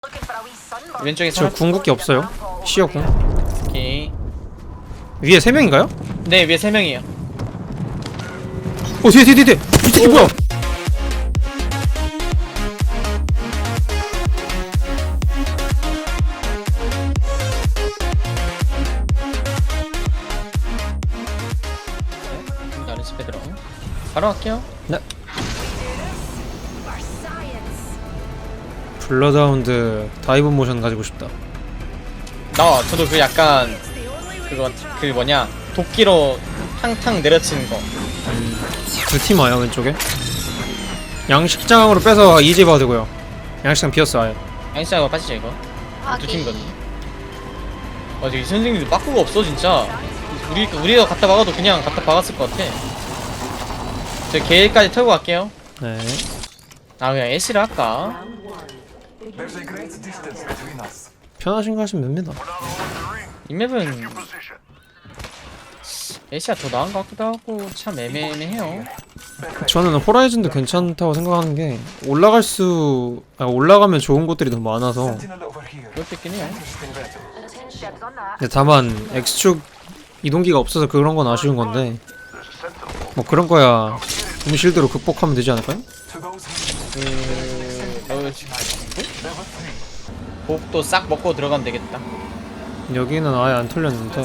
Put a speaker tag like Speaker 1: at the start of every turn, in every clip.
Speaker 1: 왼쪽에
Speaker 2: 저 궁극기 없어요. 시어궁.
Speaker 1: 오케이.
Speaker 2: 위에 3명인가요?
Speaker 1: 네, 위에 3명이에요.
Speaker 2: 뒤에! 이 새끼 뭐야?
Speaker 1: 다른 집에 들어. 바로 갈게요.
Speaker 2: 네. 블러드하운드 다이브 모션 가지고 싶다.
Speaker 1: 저도 그 약간 그 뭐냐 도끼로 탕탕 내려치는 거.
Speaker 2: 두 팀 와요 왼쪽에. 양식장으로 빼서 이지 봐도 되고요. 양식장 비었어 아예.
Speaker 1: 양시장으로 빠지죠 이거. 두 팀이거든요. 저기 선생님들 빠꾸가 없어 진짜. 우리가 갖다 박아도 그냥 갖다 박았을 것 같아. 저 게일까지 털고 갈게요.
Speaker 2: 네.
Speaker 1: 그냥 애쉬를 할까?
Speaker 2: 편하신 거 하시면 됩니다.
Speaker 1: 이 맵은 애쉬가 더 나은 것 같기도 하고 참 애매해요.
Speaker 2: 저는 호라이즌도 괜찮다고 생각하는 게 올라가면 좋은 곳들이 너무 많아서.
Speaker 1: 그것도 있긴 해요.
Speaker 2: 근데 다만 X축 이동기가 없어서 그런 건 아쉬운 건데 뭐 그런 거야 음실드로 극복하면 되지 않을까요?
Speaker 1: 복도 싹 먹고 들어가면 되겠다.
Speaker 2: 여기는 아예 안 털렸는데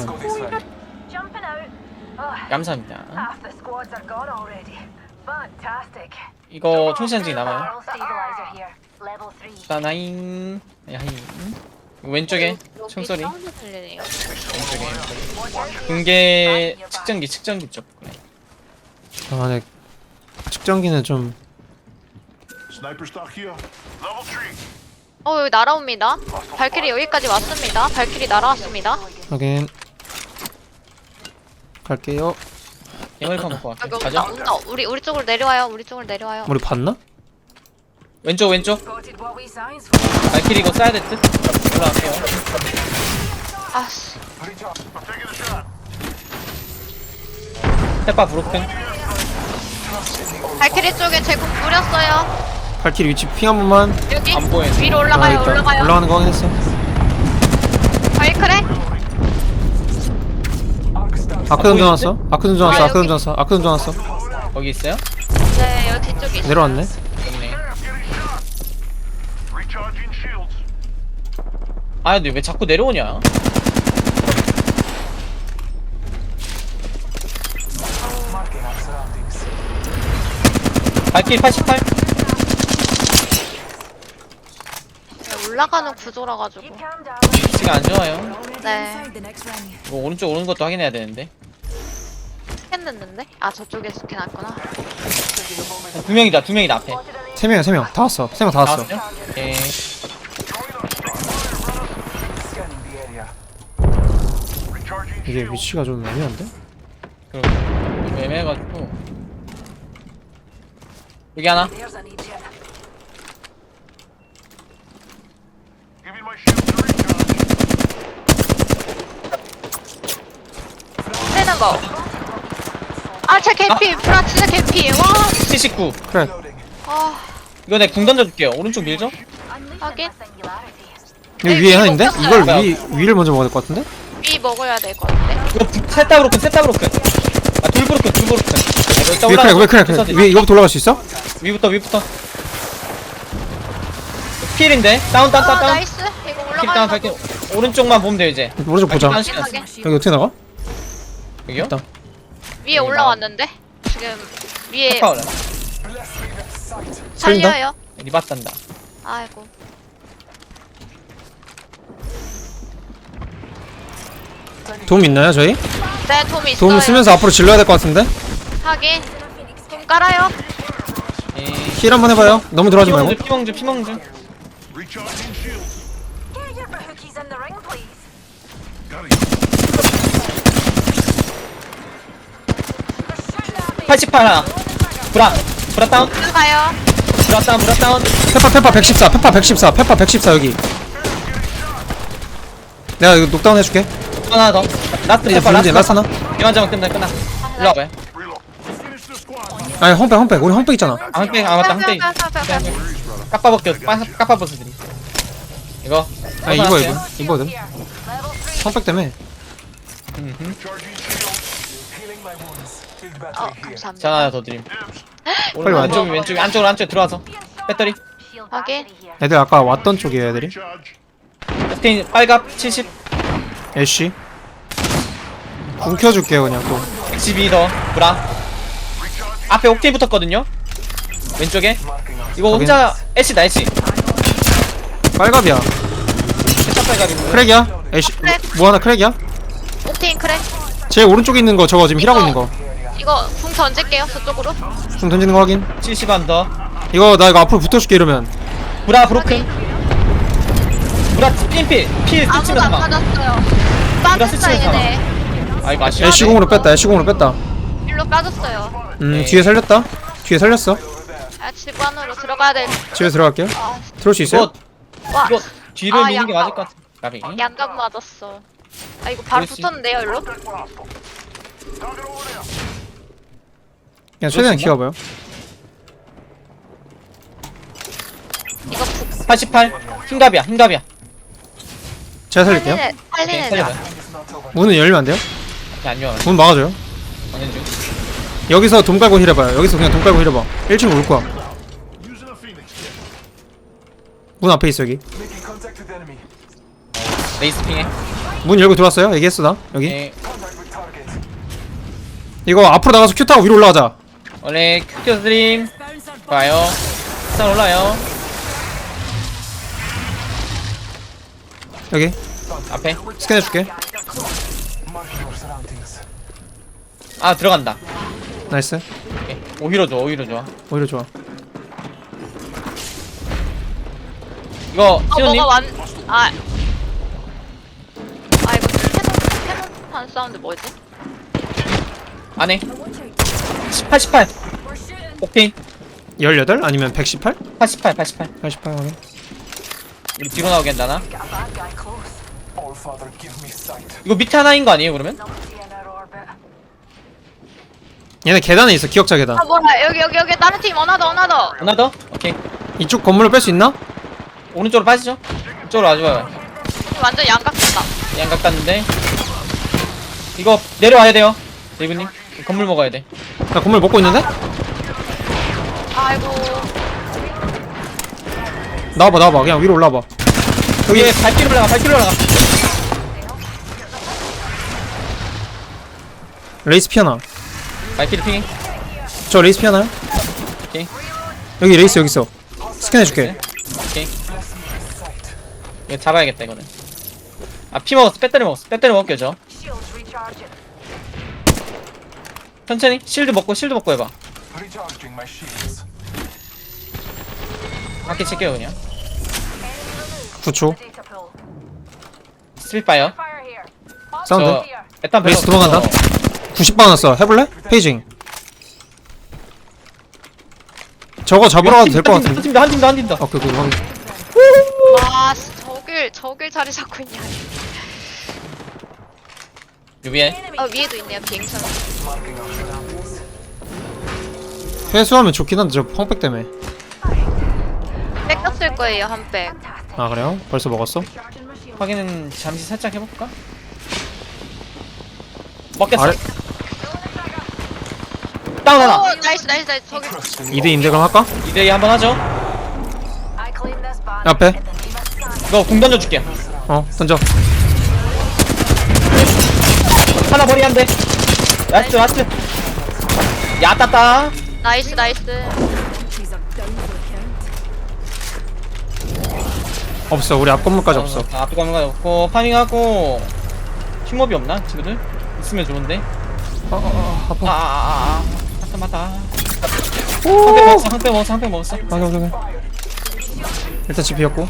Speaker 1: 감사합니다. 이거 총시한증이 남아요. 따나잉. 야잉. 왼쪽에 총소리. 왼쪽에 붕괴 측정기 쪽. 그래.
Speaker 2: 아 네. 측정기는 좀
Speaker 3: 여기 날아옵니다. 발키리 여기까지 왔습니다. 발키리 날아왔습니다.
Speaker 2: 하긴 갈게요.
Speaker 1: 해물파 먹고
Speaker 3: 여기
Speaker 1: 갈게. 가자.
Speaker 3: 온다. 우리 쪽으로 내려와요. 우리 쪽으로 내려와요.
Speaker 2: 우리 봤나?
Speaker 1: 왼쪽. 발키리 이거 쏴야 될 듯? 올라갈게요.
Speaker 3: 아씨.
Speaker 1: 페파 브로큰.
Speaker 3: 발키리 쪽에 제국 뿌렸어요.
Speaker 2: 발키리 위치 핑 한 번만.
Speaker 3: 여기
Speaker 1: 안 보여.
Speaker 3: 위로 올라가요.
Speaker 2: 있다.
Speaker 3: 올라가요.
Speaker 2: 올라가는 거 확인했어.
Speaker 3: 발크레?
Speaker 2: 아크 던져놨어. 아크 던져놨어.
Speaker 1: 거기 있어요?
Speaker 3: 네, 여기 뒤쪽에 있어요.
Speaker 2: 내려왔네.
Speaker 1: 없네. 근데 왜 자꾸 내려오냐? 발키리 88.
Speaker 3: 올라가는 구조라 가지고.
Speaker 1: 위치가 안 좋아요.
Speaker 3: 네.
Speaker 1: 이거 오른쪽 오는 것도 확인해야 되는데.
Speaker 3: 스캔 됐는데? 아, 저쪽에 스캔 왔구나.
Speaker 1: 두 명이다 앞에.
Speaker 2: 3명 다 왔어. 3명 다 왔어.
Speaker 1: 나왔어요? 오케이.
Speaker 2: 이게 위치가 좀 애매한데?
Speaker 1: 좀 애매해가지고. 여기 하나.
Speaker 3: 떼는 거. 아, 제 개피. 브라 진짜 개피. 와.
Speaker 1: 79.
Speaker 2: 그래.
Speaker 3: 아,
Speaker 1: 이거 내가 궁 던져줄게요. 오른쪽 밀죠?
Speaker 3: 하긴.
Speaker 2: 여기 위에 하나인데? 이걸 위를 먼저 먹어야 될 것 같은데?
Speaker 3: 위 먹어야 될 것 같은데.
Speaker 1: 이거 셋다 브로큰. 돌 브로큰.
Speaker 2: 왜 그래. 위에 이거부터 올라갈 수 있어?
Speaker 1: 위부터. 필인데? 다운.
Speaker 3: 나이스. 이거
Speaker 1: 필 다운
Speaker 3: 올라가는
Speaker 1: 갈게.
Speaker 3: 거.
Speaker 1: 오른쪽만 보면 돼요 이제.
Speaker 2: 오른쪽 보자.
Speaker 1: 다운 시간.
Speaker 3: 하게.
Speaker 2: 여기 어떻게 나가?
Speaker 1: 여기요?
Speaker 2: 있다.
Speaker 3: 위에 올라왔는데? 지금 위에
Speaker 1: 페파 올라.
Speaker 2: 살린다?
Speaker 3: 살려요.
Speaker 1: 리바탄다.
Speaker 3: 아이고.
Speaker 2: 도움 있나요 저희?
Speaker 3: 네, 돔 있어요.
Speaker 2: 도움 쓰면서 앞으로 질러야 될 것 같은데?
Speaker 3: 하긴. 돔 깔아요.
Speaker 2: 힐 한번 해봐요. 너무 들어가지 말고.
Speaker 1: 피멍주. (88) 하나. 브라 다운.
Speaker 3: 들어가요.
Speaker 1: 브라 다운.
Speaker 2: 페파 114 여기. 내가 이거 녹다운 해줄게.
Speaker 1: 하나 더. 라스트
Speaker 2: 이제
Speaker 1: 페파
Speaker 2: 불리지 라스 하나.
Speaker 1: 이만 잡으면 끝나. 일로 와봐요.
Speaker 2: 아니 험백 우리 험백 있잖아.
Speaker 1: 맞다. 한 대. 까빠벗겨. 까빠벗어들이. 이거
Speaker 2: 아니 이거 이거든. 성백 때문에.
Speaker 3: 감사합니다.
Speaker 1: 자 하나 더 드림.
Speaker 2: 빨리 와.
Speaker 1: 왼쪽으로 안쪽으로 들어와서 배터리
Speaker 3: 확인.
Speaker 2: 애들 아까 왔던 쪽이에요 애들이.
Speaker 1: 옥테인 빨갑 70
Speaker 2: 애쉬. 궁 켜줄게요 그냥 또.
Speaker 1: 112 브라 앞에 옥테인 붙었거든요. 왼쪽에 이거 혼자 애쉬다 애쉬
Speaker 2: 빨갑이야.
Speaker 1: 세차 빨갑인데
Speaker 2: 크랙이야. 애쉬. 뭐 하나 크랙이야?
Speaker 3: 옥테인 크랙.
Speaker 2: 제 오른쪽에 있는 거 저거 지금 힐하고 있는 거.
Speaker 3: 이거 궁 던질게요. 저쪽으로.
Speaker 2: 궁 던지는 거 확인.
Speaker 1: 70 언더
Speaker 2: 이거 나 이거 앞으로 붙어줄게 이러면.
Speaker 1: 브라 브로큰 브라 핀필 필
Speaker 3: 아무도
Speaker 1: 스치면
Speaker 3: 안
Speaker 1: 사망
Speaker 3: 빠졌어요.
Speaker 1: 스치면
Speaker 3: 빠졌어 얘네.
Speaker 1: 아 이거 아쉬워
Speaker 2: 애쉬 공으로 뺐다. 애쉬 공으로 뺐다.
Speaker 3: 일로 빠졌어요.
Speaker 1: 네.
Speaker 2: 뒤에 살렸다. 뒤에 살렸어.
Speaker 3: 아, 집 안으로 들어가야 돼.
Speaker 2: 집에 들어갈게요.
Speaker 3: 아,
Speaker 2: 들어올 수 있어요?
Speaker 1: 이거
Speaker 3: 와,
Speaker 1: 이거 뒤를
Speaker 3: 아,
Speaker 1: 미는 게
Speaker 3: 양각.
Speaker 1: 맞을 것 같아 나비
Speaker 3: 양감 맞았어. 아, 이거 바로
Speaker 1: 그렇지.
Speaker 3: 붙었는데요, 일로?
Speaker 2: 그냥 최대한
Speaker 1: 그렇지,
Speaker 2: 키워봐요.
Speaker 3: 이거 북.
Speaker 1: 88 흰갑이야 흰갑이야
Speaker 2: 제가 살릴게요.
Speaker 3: 살린
Speaker 1: 오케이
Speaker 3: 애들.
Speaker 1: 살려봐
Speaker 2: 문은 열리면 안 돼요?
Speaker 1: 안녕
Speaker 2: 문 막아줘요.
Speaker 1: 가는 중
Speaker 2: 여기서 돈 깔고 힐해봐요. 여기서 그냥 돈 깔고 힐해봐. 1층 올 거야. 문 앞에 있어 여기.
Speaker 1: 레이스 핑해
Speaker 2: 문 열고 들어왔어요. 얘기했어 나 여기.
Speaker 1: 네.
Speaker 2: 이거 앞으로 나가서 큐 타고 위로 올라가자.
Speaker 1: 원래 큐큐 드림 봐요 일단 올라요
Speaker 2: 여기
Speaker 1: 앞에
Speaker 2: 스캔해줄게.
Speaker 1: 아 들어간다
Speaker 2: 나이스.
Speaker 1: 오케이. 오히려 좋아 오히려 좋아
Speaker 2: 오히려 좋아.
Speaker 1: 이거 신호님
Speaker 3: 뭐가 아. 아, 이거 캐논 사운드 뭐지?
Speaker 1: 안에 88 옥테인
Speaker 2: 18? 아니면 118?
Speaker 1: 88 88
Speaker 2: 88 확인.
Speaker 1: 우리 뒤로 나오게 한다나 이거 밑에 하나인 거 아니에요 그러면?
Speaker 2: 얘네 계단에 있어. 기억자 계단.
Speaker 3: 아, 뭐야, 여기, 다른 팀, 어나더.
Speaker 1: 하나 더? 오케이
Speaker 2: 이쪽 건물로 뺄 수 있나?
Speaker 1: 오른쪽으로 빠지죠 이쪽으로 와줘요
Speaker 3: 완전 양각된다.
Speaker 1: 양각 갔는데 이거 내려와야 돼요 레이브님 건물 먹어야 돼
Speaker 2: 나 건물 먹고 있는데?
Speaker 3: 아이고.
Speaker 2: 나와봐. 그냥 위로 올라와봐. 여기
Speaker 1: 여기 발길로 올라가
Speaker 2: 레이스 피하나.
Speaker 1: 발길이 핑해
Speaker 2: 저 레이스 피하나요?
Speaker 1: 오케이
Speaker 2: 여기 레이스 여기 있어. 스캔해줄게.
Speaker 1: 오케이 이거 잡아야겠다 이거는 아 피 먹었어 배터리 먹을게요 저 천천히 실드 먹고 해봐 바퀴 칠게요 그냥
Speaker 2: 9초.
Speaker 1: 스피파이어
Speaker 2: 사운드.
Speaker 1: 일단
Speaker 2: 레이스 도망간다. 90방 왔어. 해볼래? 페이징. 저거 잡으러 가도 될 것 같은데.
Speaker 1: 한 팀 더
Speaker 2: 오케이 확인.
Speaker 3: 와, 저길 자리 잡고 있냐.
Speaker 1: 유비에
Speaker 3: 위에도 있네요, 비행선.
Speaker 2: 회수하면 좋긴 한데 저 펑백 때문에.
Speaker 3: 뺏겼을 거예요, 한 백.
Speaker 2: 아 그래요? 벌써 먹었어?
Speaker 1: 확인은 잠시 살짝 해볼까? 먹겠어
Speaker 2: 아래
Speaker 1: 다운 하나
Speaker 3: 오, 나이스. 저기.
Speaker 2: 2대2인데 그럼 할까?
Speaker 1: 2대2 한번 하죠
Speaker 2: 앞에.
Speaker 1: 이거 공 던져줄게
Speaker 2: 던져.
Speaker 1: 하나 머리 한대 라스트 야따따
Speaker 3: 나이스.
Speaker 2: 없어. 우리 앞 건물까지 없어.
Speaker 1: 앞에 가는 거 없고 파밍하고 팀업이 없나 친구들? 있으면 좋은데
Speaker 2: 아파.
Speaker 1: 맞다
Speaker 2: 오.
Speaker 1: 한패 먹었어
Speaker 2: 확인. 일단 집 비었고.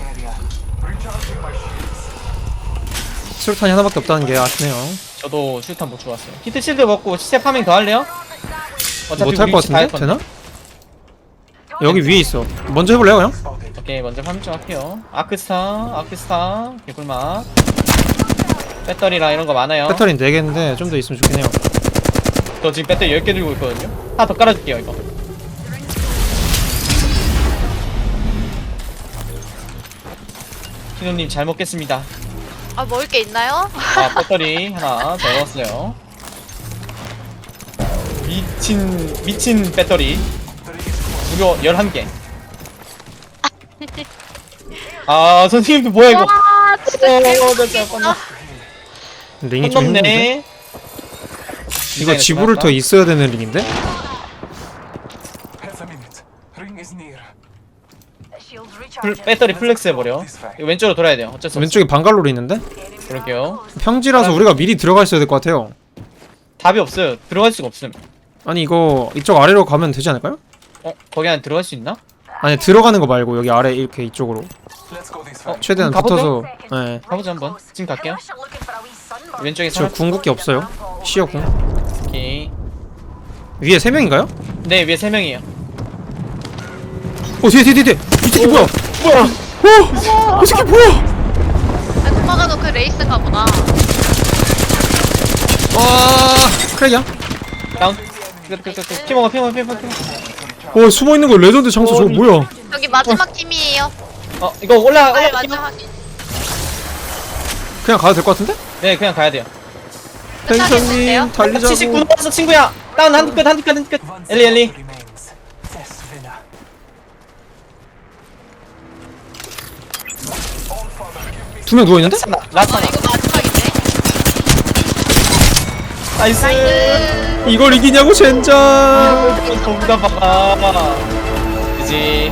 Speaker 2: 수류탄이 하나밖에 없다는 게 아쉽네요.
Speaker 1: 저도 슈탄 못 좋았어요 히트 실드 먹고 시체 파밍 더 할래요? 어차피
Speaker 2: 못할
Speaker 1: 우리
Speaker 2: 것
Speaker 1: 위치 다
Speaker 2: 같은데?
Speaker 1: 할 건데.
Speaker 2: 되나? 여기 위에 있어. 먼저 해볼래요 그냥?
Speaker 1: 오케이 먼저 파밍 좀 할게요 아크스타 개꿀맛 배터리랑 이런 거 많아요
Speaker 2: 배터리는 4개인데 좀 더 있으면 좋긴 해요.
Speaker 1: 저 지금 배터리 10개 들고 있거든요 하나 더 깔아줄게요 이거 키노님 잘 먹겠습니다.
Speaker 3: 아 먹을 게 있나요?
Speaker 1: 아 배터리 하나 더 넣었어요. 미친 배터리 무려 11개. 아 선생님도 뭐야 이거.
Speaker 3: 와 진짜
Speaker 1: 잠깐만.
Speaker 2: 링이 좀 힘든데?
Speaker 1: 넘네.
Speaker 2: 이거 지브롤터 있어야 되는 링인데?
Speaker 1: 배터리 플렉스 해버려. 이거 왼쪽으로 돌아야 돼요. 어쩔 수 없어.
Speaker 2: 왼쪽에 방갈로리 있는데?
Speaker 1: 그럴게요.
Speaker 2: 평지라서 우리가 미리 들어가 있어야 될 것 같아요.
Speaker 1: 답이 없어요. 들어갈 수가 없음.
Speaker 2: 아니 이거 이쪽 아래로 가면 되지 않을까요?
Speaker 1: 거기 안에 들어갈 수 있나?
Speaker 2: 아니 들어가는 거 말고 여기 아래 이렇게 이쪽으로 최대한
Speaker 1: 가보죠?
Speaker 2: 붙어서. 네.
Speaker 1: 가보자 한번. 지금 갈게요. 왼쪽에
Speaker 2: 저 궁극기 없어요. 시어궁.
Speaker 1: 오케이.
Speaker 2: 위에 3명인가요?
Speaker 1: 네 위에 3명이에요.
Speaker 2: 뒤에 이 새끼 뭐야? 이 새끼 뭐야?
Speaker 3: 아, 도마가도 그 레이스인가 보다.
Speaker 2: 와 크랙이야?
Speaker 1: 다운. 피먹어.
Speaker 2: 숨어있는 거 레전드 장소 저거 뭐야?
Speaker 3: 여기 마지막 팀이에요.
Speaker 1: 이거 올라.
Speaker 3: 빨리 마지막 팀.
Speaker 2: 그냥 가도 될 것 같은데?
Speaker 1: 네 그냥 가야 돼요.
Speaker 3: 끝나겠는데요?
Speaker 2: 달리자고.
Speaker 1: 79 넘었어 친구야. 다운 한끝. 엘리.
Speaker 2: 두 명 누워있는데?
Speaker 1: 라타.
Speaker 3: 이거 마지막인데?
Speaker 1: 나이스.
Speaker 2: 이걸 이기냐고 젠장.
Speaker 1: 돈다 봐. 그지.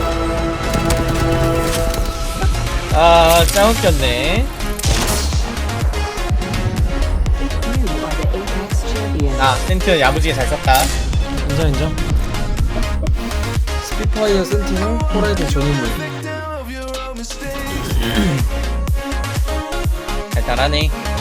Speaker 1: 짱 웃겼네. 센트 야무지게 잘 썼다.
Speaker 2: 인정. 스피파이어 센티널 호라이즌 전인물.
Speaker 1: 잘 따라네.